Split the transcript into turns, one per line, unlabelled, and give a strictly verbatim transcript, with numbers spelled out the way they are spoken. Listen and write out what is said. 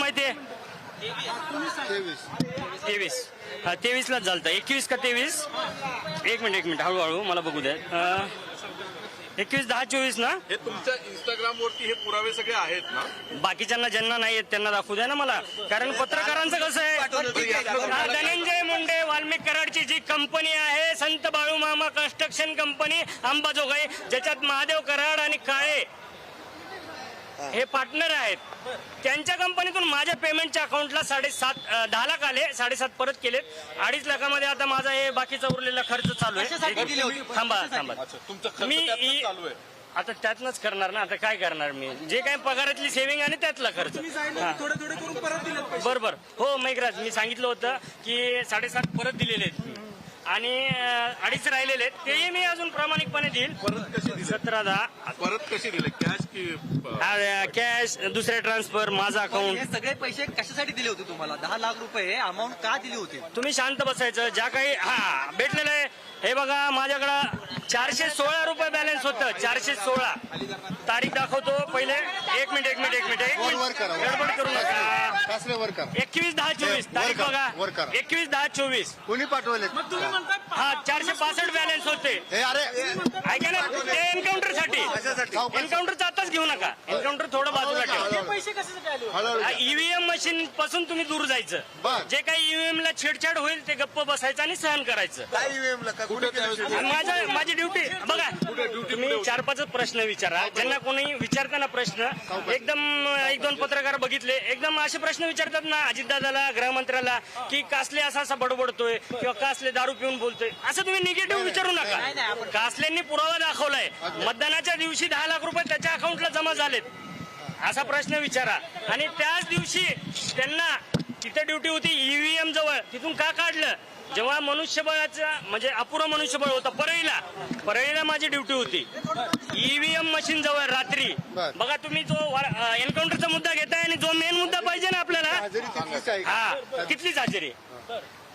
माहिती आहे? तेवीस हा तेवीस लाच झालता. एकवीस का तेवीस? एक मिनिट एक मिनिट हळूहळू मला बघू द्या. एकवीस दहा चोवीस ना?
हे तुमच्या इंस्टाग्राम वरती हे पुरावे सगळे आहेत ना?
बाकीच्यांना ज्यांना नाही आहेत त्यांना दाखवू द्या ना मला. कारण पत्रकारांचं कसं आहे, हा, धनंजय मुंडे वाल्मिक कराडची जी कंपनी आहे संत बाळूमामा कन्स्ट्रक्शन कंपनी अंबाजोगाई, ज्याच्यात महादेव कराड आणि काळे हे पार्टनर आहेत, त्यांच्या कंपनीतून माझ्या पेमेंटच्या अकाउंटला साडेसात दहा लाख आले, साडेसात परत केलेत. अडीच लाखामध्ये आता माझा हे बाकीचा उरलेला खर्च चालू आहे. थांबा थांबा मी इ- आता त्यातनंच करणार ना. आता काय करणार मी, जे काही पगारातली सेव्हिंग आणि त्यातला खर्च. बरोबर हो मेघराज, मी सांगितलं होतं की साडेसात परत दिलेले आहेत आणि अडीच राहिलेले आहेत, तेही मी अजून प्रामाणिकपणे देईल.
परत कशी दिले?
सतरा दहा
परत कशी दिले? कॅश की
कॅश, दुसऱ्या ट्रान्सफर, माझा अकाउंट.
हे सगळे पैसे कशासाठी दिले होते तुम्हाला? दहा लाख रुपये अमाऊंट का दिली होती?
तुम्ही शांत बसायचं. ज्या काही हा भेटलेलं आहे हे बघा, माझ्याकडं चारशे सोळा रुपये बॅलन्स होतं. चारशे सोळा तारीख दाखवतो पहिले. एक मिनिट एक मिनिट एक मिनिट एक मिनिट गडबड करू नका. एकवीस दहा चोवीस तारीख बघा. एकवीस दहा चोवीस
कोणी पाठवले?
हा चारशे पासष्ट बॅलन्स होते.
अरे
ऐका ना, ते एन्काउंटर साठी. एन्काउंटरचं आताच घेऊ नका. एन्काउंटर थोडं बाजूला ठेवा. ईव्हीएम मशीन पासून तुम्ही दूर जायचं. जे काही ईव्हीएम ला छेडछाड होईल ते गप्प बसायचं आणि सहन करायचं. माझा माझी ड्युटी बघा. तुम्ही चार पाच प्रश्न विचारा. ज्यांना कोणी विचारताना प्रश्न एकदम एक दोन पत्रकार बघितले एकदम असे प्रश्न विचारतात ना अजितदादाला, गृहमंत्र्याला, की कासले असा असा बडबडतोय किंवा कासले दारू पिऊन बोलतोय, असं तुम्ही निगेटिव्ह विचारू नका. कासलेंनी पुरावा दाखवलाय. मतदानाच्या दिवशी दहा लाख रुपये त्याच्या अकाउंटला जमा झालेत, असा प्रश्न विचारा. आणि त्याच दिवशी त्यांना तिथे ड्युटी होती ईव्हीएम जवळ, तिथून का काढलं? जेव्हा मनुष्यबळाचं म्हणजे अपुरं मनुष्यबळ होतं परळीला, परळीला माझी ड्युटी होती ईव्हीएम मशीन जवळ रात्री. बघा तुम्ही जो एन्काउंटरचा मुद्दा घेताय आणि जो मेन मुद्दा पाहिजे ना आपल्याला, हा तिथलीच हजेरी.